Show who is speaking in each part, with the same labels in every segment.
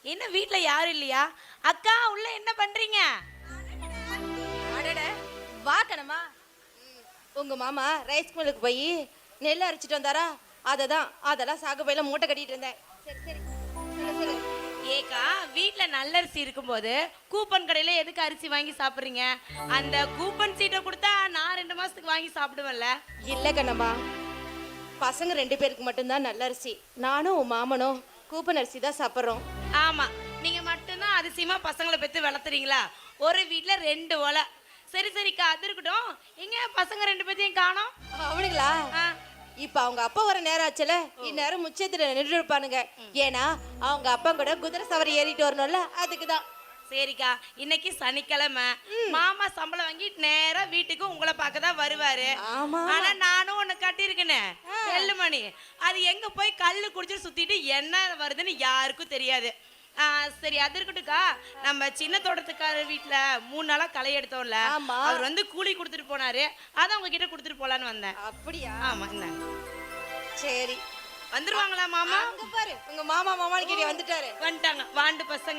Speaker 1: என்ன வீட்ல யாரும் இல்லையா? அக்கா உள்ள என்ன பண்றீங்க?
Speaker 2: அடட வா கணமா. உங்க மாமா ரைஸ் மில்லுக்கு போய் நெல் அரைச்சிட்டு வந்தாரா? அதெல்லாம் சாகுபையில மூட்டை கட்டிட்டு இருந்தேன். சரி சரி சொல்லு.
Speaker 1: ஏக்கா வீட்ல நல்லரிசி இருக்கும்போது கூப்பன் கடையில எதுக்கு அரிசி வாங்கி சாப்பிடுறீங்க? அந்த கூப்பன் சீட்டை கொடுத்தா நான் 2 மாசத்துக்கு வாங்கி சாப்பிடுவேன்ல.
Speaker 2: இல்ல கண்ணம்மா, பசங்க 2 பேருக்கு மட்டும்தான் நல்ல அரிசி. நானும் உன் மாமனும் கூப்பன் அரிசி தான் சாப்பிட்றோம்.
Speaker 1: ஆமா, நீங்க மட்டும்தான் அதிசயமா பசங்களை பெத்து வளர்த்துறீங்களா? ஒரு வீட்ல 2 ஒலை. சரி சரிக்கா, அது இருக்கட்டும். எங்க பசங்க 2 பேத்தையும் காணோம்?
Speaker 2: அவனுங்களா? இப்ப அவங்க அப்பா வர நேரம் ஆச்சுல, இந்நேரம் முச்சத்துல நின்று இருப்பானுங்க. ஏன்னா அவங்க அப்பா கூட குதிரை சவாரி ஏறிட்டு வரணும்ல, அதுக்குதான்.
Speaker 1: சரிக்கா, இன்னைக்கு சனிக்கிழமை, மாமா சம்பளம் வாங்கி நேரா வீட்டுக்கு உங்களை பார்க்க தான் வருவாரு. ஆனா நானும் ஒண்ணு கட்டியிருக்கேனே செல்லுமணி, அது எங்க போய் கல்லு குடிச்சு சுத்திட்டு என்ன வருதுன்னு யாருக்கும் தெரியாது. சரி, அது இருக்கட்டும்க்கா. நம்ம சின்ன தோட்டத்துக்காரர் வீட்டுல 3 நாளா களை எடுத்தோம்ல, அவர் வந்து கூலி கொடுத்துட்டு போனாரு. அதான் உங்ககிட்ட கொடுத்துட்டு போலான்னு வந்தேன்.
Speaker 2: அப்படியா?
Speaker 1: ஆமா. என்ன
Speaker 2: சரி,
Speaker 1: வந்துருவாங்களா மாமா?
Speaker 2: அங்க பாரு, உங்க மாமா மாமான்னு கேட்டி வந்துட்டாரு.
Speaker 1: வந்துட்டாங்க வாண்டு பசங்க.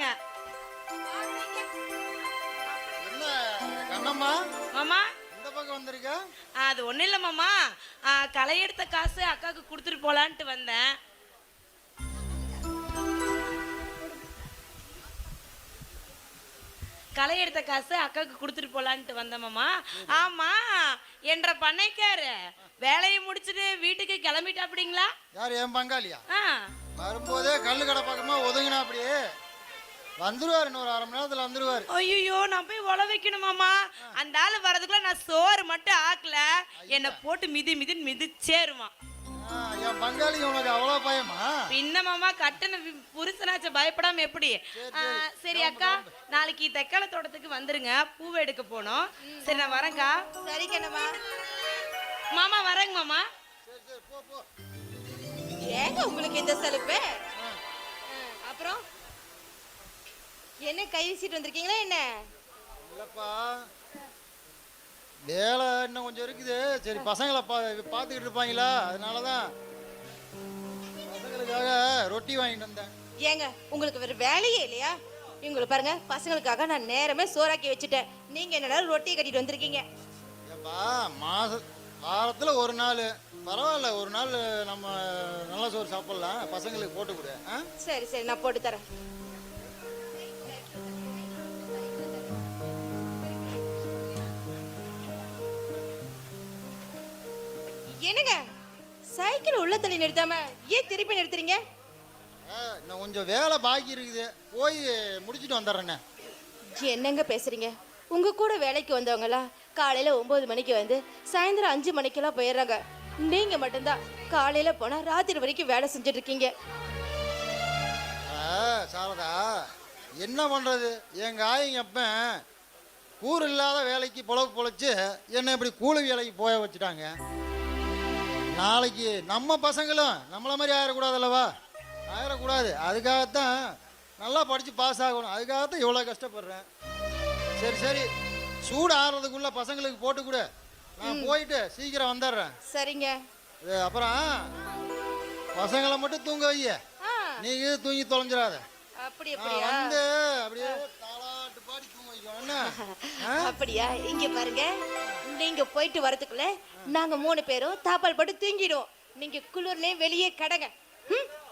Speaker 3: என்ன கண்ணம்மா
Speaker 1: மாமா
Speaker 3: இந்த பக்கம் வந்திருக்க?
Speaker 1: அது ஒண்ணும் இல்ல மாமா, களை எடுத்த காசு அக்காவுக்கு கொடுத்துட்டு போலான்ட்டு வந்தேன். களை எடுத்த காசு அக்காவுக்கு கொடுத்துட்டு போலான்ட்டு வந்தேன் மாமா. ஆமா, என்ற பண்ணைக்காரு வேலையை முடிச்சுட்டு வீட்டுக்கு கிளம்பிட்டா அப்படிங்களா?
Speaker 3: யார், என் பங்காளியா? வரும்போதே கல்லு கடை பக்கமா ஒதுங்கினா அப்படியே வந்துருவாரு. இன்னொரு 1/2 மணி நேரத்துல வந்துருவாரு.
Speaker 1: ஐயோ, நான் போய் உழ வைக்கணும் மாமா. அந்த ஆளு வரதுக்குள்ள நான் சோறு மட்டும் ஆக்கல, என்னை போட்டு மிதிச்சேருமா.
Speaker 3: என் பங்காளி உனக்கு அவ்வளவு பயமா?
Speaker 1: பின்ன மாமா, கட்டண புருஷனாச்ச பயப்படாம எப்படி? சரி அக்கா, நாளைக்கு தெக்கால தோட்டத்துக்கு வந்துருங்க, பூவை எடுக்க போனோம். சரி, நான் வரேன்க்கா.
Speaker 2: சரி கண்ணம்மா.
Speaker 1: மாமா வரேங்க மாமா.
Speaker 3: சரி சரி, போ போ.
Speaker 2: ஏங்க உங்களுக்கு இந்த சலுப்பு? அப்புறம் என்ன கை வீசிட்டு வந்திருக்கீங்களா என்ன?
Speaker 3: இல்லப்பா, வேலை இன்னும் கொஞ்சம் இருக்குது. சரி, பசங்களை பார்த்துக்கிட்டு இருப்பாங்களா, அதனாலதான் பசங்களுக்காக ரொட்டி வாங்கிட்டு வந்தேன்.
Speaker 2: ஏங்க உங்களுக்கு வேற வேலையே இல்லையா? இவங்களை பாருங்க, பசங்களுக்காக நான் நேரமே சோறாக்கி வச்சுட்டேன். நீங்க என்னடா ரொட்டி கட்டிட்டு வந்திருக்கீங்க?
Speaker 3: ஏப்பா, வாரத்துல ஒரு நாள் பரவாயில்ல, ஒரு நாள் நம்ம நல்ல சோறு சாப்பிடலாம், பசங்களுக்கு போட்டு கொடு.
Speaker 2: சரி சரி, நான் போட்டு தரேன். என்னங்க சைக்கிள் உள்ள தள்ளி நிறுத்தாம ஏன் திருப்பி நிறுத்துறீங்க?
Speaker 3: இன்னும் கொஞ்சம் வேலை பாக்கி இருக்குது, போய் முடிச்சுட்டு வந்துடுறேண்ணே.
Speaker 2: என்னங்க பேசுறீங்க? உங்க கூட வேலைக்கு வந்தவங்களா காலையில 9 மணிக்கு வந்து சாயந்தரம் 5 மணிக்கெல்லாம் போயிடுறாங்க. நீங்க மட்டும்தான் காலையில போனா ராத்திரி வரைக்கும் வேலை செஞ்சுட்டு இருக்கீங்க.
Speaker 3: சாரதா, என்ன பண்றது, எங்க ஆயிங்க அப்பன் கூறு இல்லாத வேலைக்கு பொழைச்சு என்ன இப்படி கூலி வேலைக்கு போய வச்சுட்டாங்க. நாளைக்கு நம்ம பசங்களும் நம்மள மாதிரி ஆயிடக்கூடாதுல்லவா? ஆயிடக்கூடாது, அதுக்காகத்தான் நல்லா படித்து பாஸ் ஆகணும், அதுக்காகத்தான் இவ்வளோ கஷ்டப்படுறேன். சரி சரி, சூடு ஆறுறதுக்குள்ள பசங்களுக்கு போட்டு கொடு, நான் போயிட்டு சீக்கிரம் வந்துடுறேன்.
Speaker 2: சரிங்க.
Speaker 3: அப்புறம் பசங்களை மட்டும் தூங்க வைய, நீங்க தூங்கி தொலைஞ்சிடாத.
Speaker 2: அப்படி
Speaker 3: வந்து அப்படியே தாலாட்டு பாடி தூங்க வைக்கணும்.
Speaker 2: அப்படியா? இங்க பாருங்க, நீங்க போயிட்டு வரதுக்குள்ள நாங்க 3 பேரும் தாப்பால் போட்டு தூங்கிடுவோம். நீங்க குளிர்லயே வெளியே கடங்க.